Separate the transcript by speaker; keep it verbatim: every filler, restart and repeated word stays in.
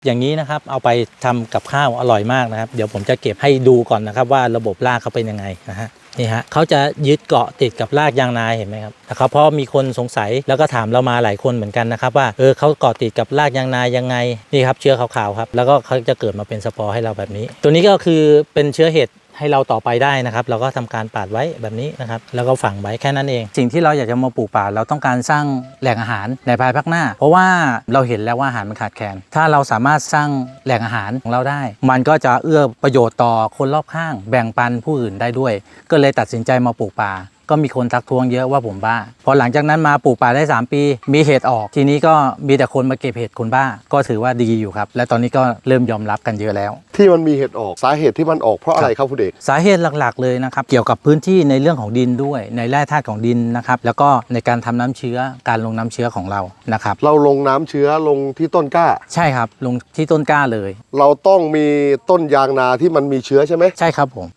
Speaker 1: อย่างนี้นะครับเอาไปทำกับข้าวอร่อยมากนะครับเดี๋ยวผมจะเก็บให้ดูก่อนนะครับว่าระบบรากเขาเป็นยังไงนะฮะนี่ฮะเขาจะยึดเกาะติดกับรากยางนาเห็นไหมครับนะครับเพราะมีคนสงสัยแล้วก็ถามเรามาหลายคนเหมือนกันนะครับว่าเออเขาเกาะติดกับรากยางนายังไงนี่ครับเชื้อขาวๆครับแล้วก็เขาจะเกิดมาเป็นสปอร์ให้เราแบบนี้ตัวนี้ก็คือเป็นเชื้อเห็ดให้เราต่อไปได้นะครับเราก็ทำการปาดไว้แบบนี้นะครับแล้วก็ฝังไว้แค่นั้นเองสิ่งที่เราอยากจะมาปลูกป่าเราต้องการสร้างแหล่งอาหารในภายภาคหน้าเพราะว่าเราเห็นแล้วว่าอาหารมันขาดแคลนถ้าเราสามารถสร้างแหล่งอาหารของเราได้มันก็จะเอื้อประโยชน์ต่อคนรอบข้างแบ่งปันผู้อื่นได้ด้วยก็เลยตัดสินใจมาปลูกป่าก็มีคนทักท้วงเยอะว่าผมบ้าพอหลังจากนั้นมาปลูกป่าได้สามปีมีเห็ดออกทีนี้ก็มีแต่คนมาเก็บเห็ดคนบ้าก็ถือว่าดีอยู่ครับและตอนนี้ก็เริ่มยอมรับกันเยอะแล้ว
Speaker 2: ที่มันมีเห็ดออกสาเหตุที่มันออกเพราะอะไรครับคุณเอก
Speaker 1: สาเหตุหลักๆเลยนะครับเกี่ยวกับพื้นที่ในเรื่องของดินด้วยในแร่ธาตุของดินนะครับแล้วก็ในการทำน้ำเชื้อการลงน้ำเชื้อของเรานะครับ
Speaker 2: เราลงน้ำเชื้อลงที่ต้นกล้า
Speaker 1: ใช่ครับลงที่ต้นกล้าเลย
Speaker 2: เราต้องมีต้นยางนาที่มันมีเชื้อใช่ไหม
Speaker 1: ใช่ครับผม